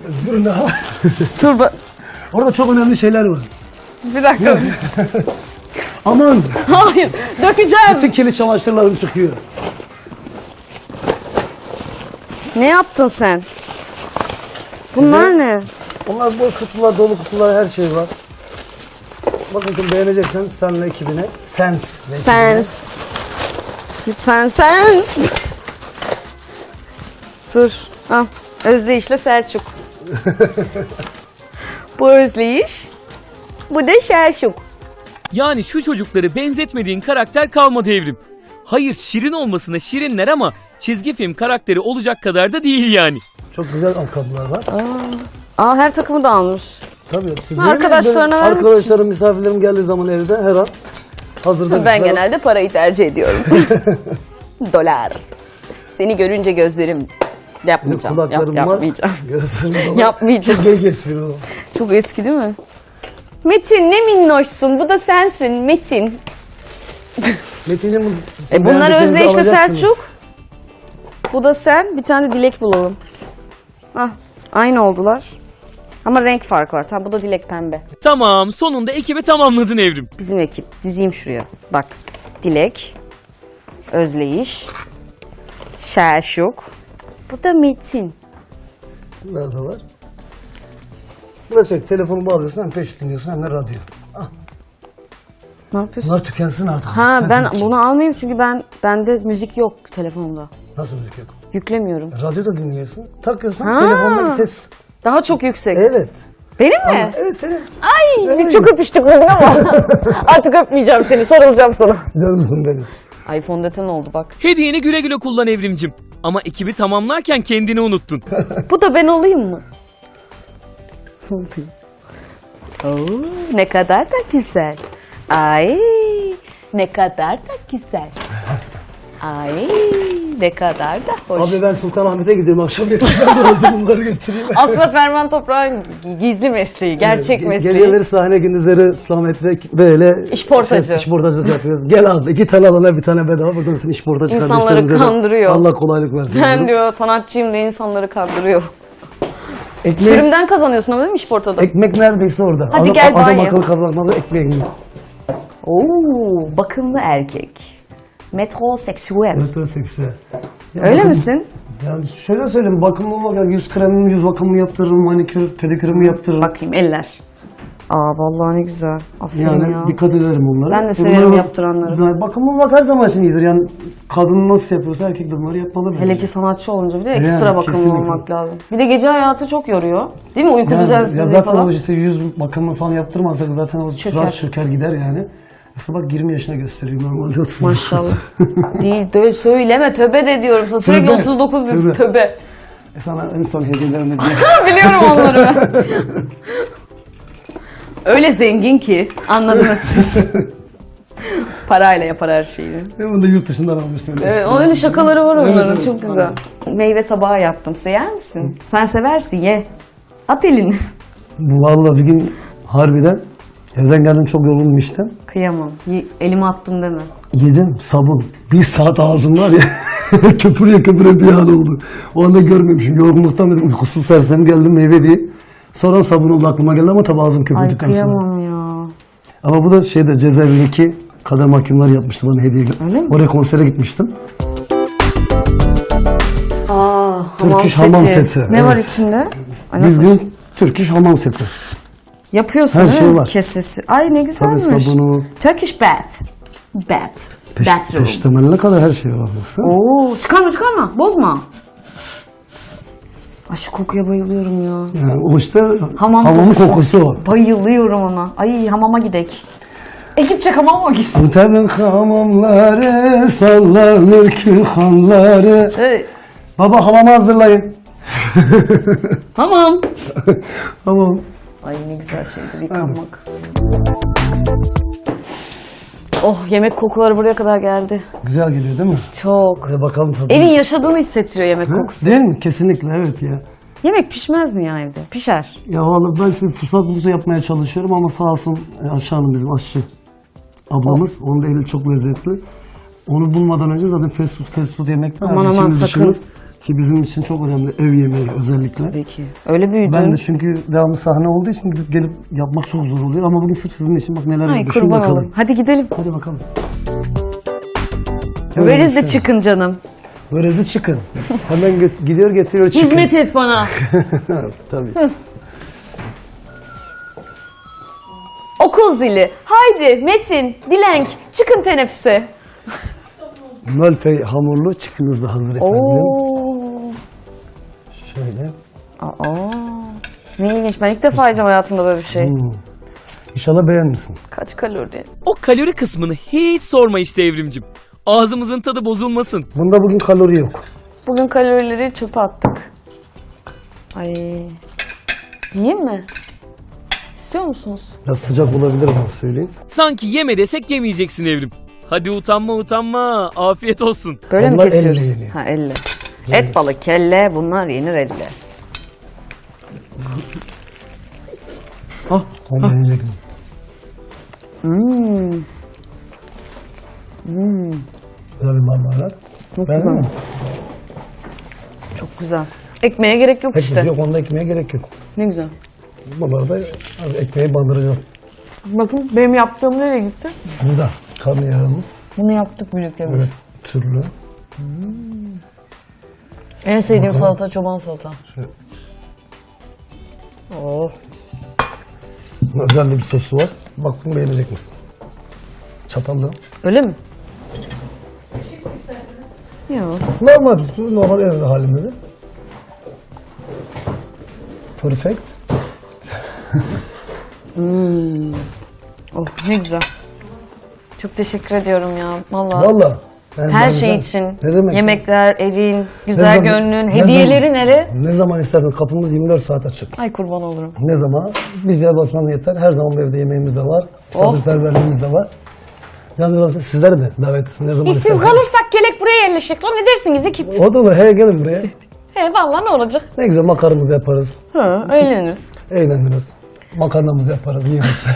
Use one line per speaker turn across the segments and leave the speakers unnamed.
Dur ne?
Dur
Orada çok önemli şeyler var.
bir dakika.
Aman!
Hayır, dökeceğim.
Bütün kirli çamaşırlarım çıkıyor.
Ne yaptın sen? Bunlar ne?
Onlar boş kutular, dolu kutular, her şey var. Bakın beğeneceksen senle ekibine. Sens.
Sens. Lütfen sens. Dur. Al. Özdeyiş'le Selçuk. Bu Özdeyiş. Bu da Selçuk.
Yani şu çocukları benzetmediğin karakter kalmadı Evrim. Hayır şirin olmasına şirinler ama çizgi film karakteri olacak kadar da değil yani.
Çok güzel ayakkabılar var.
Aa her takımı da almış.
Tabii. Siz
Arkadaşlarına vermek için.
Arkadaşlarım, misafirlerim geldiği zaman evde her an hazırda.
Ben genelde parayı tercih ediyorum. Dolar. Seni görünce gözlerim yapmayacağım.
Kulaklarım var.
Yapmayacağım.
Gözlerim var.
Yapmayacağım.
Çok gay espri o.
Çok eski değil mi? Metin ne minnoşsun. Bu da sensin Metin.
Metin'in
Bunlar Özdeyiş'le Selçuk. Bu da sen. Bir tane de Dilek bulalım. Ah, aynı oldular. Ama renk farkı var. Tamam bu da Dilek pembe.
Tamam sonunda ekibi tamamladın Evrim.
Bizim ekip. Dizeyim şuraya. Bak. Dilek. Özdeyiş. Selçuk. Bu da Metin.
Nerede var? Burada şey, telefonu bağlıyorsun, hem peş dinliyorsun hem de radyo.
Ne yapıyorsun?
Bunlar tükensin artık.
Ha
Tükensin
ben
ki.
bunu almayayım çünkü bende müzik yok telefonumda.
Nasıl müzik yok?
Yüklemiyorum.
Radyoda dinliyorsun. Takıyorsun,
Ha.
telefondaki ses.
Daha çok yüksek.
Evet.
Benim mi?
Evet senin.
Ay biz çok öpüştük bugün ama artık öpmeyeceğim seni, sarılacağım sana.
Canımsın benim.
Ay fondöten oldu bak.
Hediyeni güle güle kullan Evrimcim. Ama ekibi tamamlarken kendini unuttun.
Bu da ben olayım mı? Oo, ne kadar da güzel. Ay ne kadar da güzel. Ay ne kadar da hoş.
Abi ben Sultanahmet'e gidiyorum, akşam getirmem lazım, bunları götüreyim.
Aslında Ferman Toprağ'ın gizli mesleği, gerçek mesleği.
Geceleri sahne, gündüzleri Samet'le böyle
İşportacı.
işportacılık yapıyoruz. Gel abi 2 tane alana bir tane bedava, burada bütün işportacı
İnsanları
kardeşlerimize de
kandırıyor.
Allah kolaylık versin.
Sen diyor sanatçıyım diye insanları kandırıyor.
Ekmek,
Sürümden kazanıyorsun ama değil mi işportada?
ekmek neredeyse orada.
Hadi gel
Adam
banyo.
akıllı kazanmalı ekmeğini.
Oo, bakımlı erkek. Metroseksüel.
Metroseksüel.
Öyle misin?
Yani şöyle söyleyeyim, bakımlı olmak, yani yüz kremimi, yüz bakımımı yaptırırım, manikür, pedikürümü yaptırırım.
Bakayım eller. Aa vallahi ne güzel. Aferin
Yani
ya.
dikkat ederim onlara.
Ben de severim yaptıranları.
Yani bakımlı olmak her zaman için iyidir. Yani kadın nasıl yapıyorsa erkek de bunları yapmalı.
Hele ki sanatçı olunca bir de ekstra
Yani,
bakımlı
kesinlikle.
olmak lazım. Bir de gece hayatı çok yoruyor. Değil mi? Uyku
ya
düzensizliği
zaten
falan.
o işte yüz bakımını falan yaptırmazsak zaten o surat çöker gider yani. Aslında bak 20 yaşına gösteriyor normalde 30.
Maşallah. İyi de söyleme töbe de diyorum sana. Sürekli
Töbe,
39 diyorsun
töbe.
töbe.
Sana en son hediyelerimi diyeyim.
Biliyorum onları ben. Öyle zengin ki anladınız siz. Parayla yapar her şeyi.
Bunu da yurt dışından almıştım.
Evet, onun öyle şakaları var onların.
Evet,
Çok güzel. Meyve tabağı yaptım. Sen yer misin? Sen seversin ye. At elini.
Bu vallahi bir gün harbiden evden geldim, çok yorgunum işten.
Kıyamam. Elime attım deme.
Yedim sabun. 1 saat ağzım var ya. Köpürüye köpüre bir an oldu. O anda görmemişim. Yorgunluktan dedim, uykusuz sersem geldim meyve diye. Sonra sabun oldu aklıma geldi ama tabi ağzım
Ay
köpürdükten sonra.
kıyamam ya.
Ama bu da şeyde cezaevindeki kader mahkumları yapmıştı bana hediye.
Öyle mi?
Oraya konsere gitmiştim.
Aa,
Turkish hamam seti,
Ne
evet.
var içinde? Ay,
Biz
nasıl?
gün Turkish hamam seti.
Yapıyorsun
her
değil
şey
mi?
var.
Kesesi. Ay ne
Tabii
güzelmiş.
sabunu,
Turkish bath. Bath. Bathroom.
peştemaline kadar her şey var. Baksana.
Oo, çıkarma bozma. Ay şu kokuya bayılıyorum ya.
Yani o işte
Hamam
hamamın kokusu o.
Bayılıyorum ona. Ay hamama gidek. Ekipçe hamama gitsin.
Antep'in hamamları sallanır külhanları.
Evet.
Baba hamamı hazırlayın.
Hamam.
Tamam.
Ay ne güzel şeydir yıkanmak. Oh yemek kokuları buraya kadar geldi.
Güzel geliyor değil mi?
Çok.
Hadi bakalım tabii.
Evin yaşadığını hissettiriyor yemek kokusu.
Değil mi? Kesinlikle evet ya.
Yemek pişmez mi ya evde? Pişer.
Ya vallahi ben size fırsat bulunca yapmaya çalışıyorum ama sağ olsun Ayşe Hanım bizim aşçı ablamız. Onun da eli çok lezzetli. Onu bulmadan önce zaten fast food yemekten
Aman aman
işimiz
sakın.
dışımız. Ki bizim için çok önemli ev yemeği özellikle.
Tabii ki. Öyle büyüdün.
Ben de çünkü devamlı sahne olduğu için gidip gelip yapmak çok zor oluyor. Ama bugün sırf sizin için bak neler
Ay
yapıyor. Şimdi
kurban
bakalım.
olurum. Hadi gidelim.
Hadi bakalım.
Where de çıkın canım.
Böyle çıkın. Hemen gidiyor getiriyor çıkın.
Hizmet et bana.
Tabii.
Okul zili. Haydi Metin, Dilenk çıkın teneffüse.
Mölfey hamurlu çıkınız da hazır efendim.
Oo.
Şöyle.
Aa. Ne ilginç. Ben ilk defa yiyeceğim hayatımda böyle bir şey.
İnşallah beğenmişsin.
Kaç kalori?
O kalori kısmını hiç sorma işte Evrimcim. Ağzımızın tadı bozulmasın.
Bunda bugün kalori yok.
Bugün kalorileri çöpe attık. Ay. Yiyeyim mi? İstiyor musunuz?
Biraz sıcak olabilir ama söyleyeyim.
Sanki yeme desek yemeyeceksin Evrim. Hadi utanma. Afiyet olsun.
Böyle mi
Onlar
kesiyoruz?
elle yeniyor.
Ha elle. Et balık, kelle bunlar yenir elle.
Onu yiyecektim. Güzel bir marmelat. Beğendin mi?
Çok güzel. Ekmeğe gerek yok işte.
Yok onda ekmeğe gerek yok.
Ne güzel.
Bunları da ekmeği bandıracağız.
Bakın benim yaptığım nereye gitti?
Burada karnıyarığımız
Bunu yaptık birlikte
böyle
biz.
türlü.
En sevdiğim salata çoban salata.
Şöyle
Oh.
özel bir sosu var. Bak bunu beğenecek misin? Çatalla.
Öyle mi? Yok.
Normal evde halimizi. Perfect.
Oh ne güzel. Çok teşekkür ediyorum ya. Vallahi.
Valla. Yani
Her
ben
şey
güzel.
için.
Ne demek?
Yemekler, evin,
Ne
güzel
zaman-
gönlün,
ne
hediyelerin
zaman-
hele.
Ne zaman istersen kapımız 24 saat açık.
Ay kurban olurum.
Ne zaman? Biz yer basmanız yeter. Her zaman bu evde yemeğimiz de var. Misafirperverliğimiz de var. Yalnız sizler de davetlisiniz. Ne zaman
İşsiz
isterseniz.
kalırsak gelek buraya yerleşik. Lan ne dersiniz ekip?
O da olur. He gelin buraya.
He vallahi ne olacak?
Ne güzel makaramızı yaparız.
Ha, eğleniriz.
Eğleniriz. Makarnamızı yaparız. Yeriz.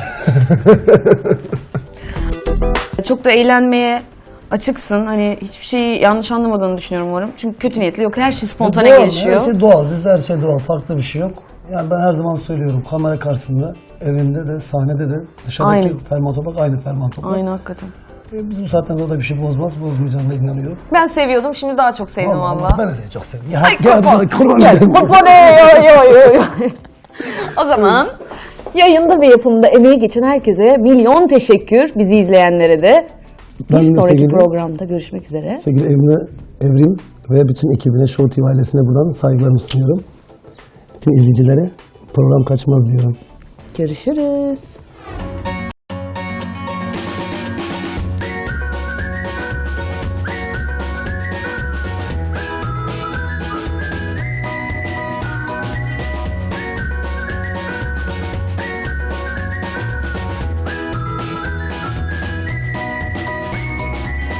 Çok da eğlenmeye açıksın. Hani hiçbir şeyi yanlış anlamadığını düşünüyorum umarım. Çünkü kötü niyetli yok. Her şey spontane
Doğal,
gelişiyor.
Her şey doğal. Bizde her şey doğal. Farklı bir şey yok. Yani ben her zaman söylüyorum. Kamera karşısında, evinde de, sahnede de, dışarıdaki
Aynı.
fermuar toprak aynı fermuar toprak.
Aynen hakikaten.
Biz bu saatten sonra da bir şey bozmaz. Bozmayacağına inanıyorum.
Ben seviyordum. Şimdi daha çok sevdim valla.
Ben de seni çok seviyorum. Ya,
Ay,
gel,
kurban.
bana kurban
Gel,
olayım.
kurban yo. O zaman yayında ve yapımında emeği geçen herkese milyon teşekkür. Bizi izleyenlere de.
Ben
Bir
de
sonraki
sevgili-
programda görüşmek üzere.
Sevgili Evrim ve bütün ekibine, Show TV ailesine buradan saygılarımı sunuyorum. Bütün izleyicilere program kaçmaz diyorum.
Görüşürüz.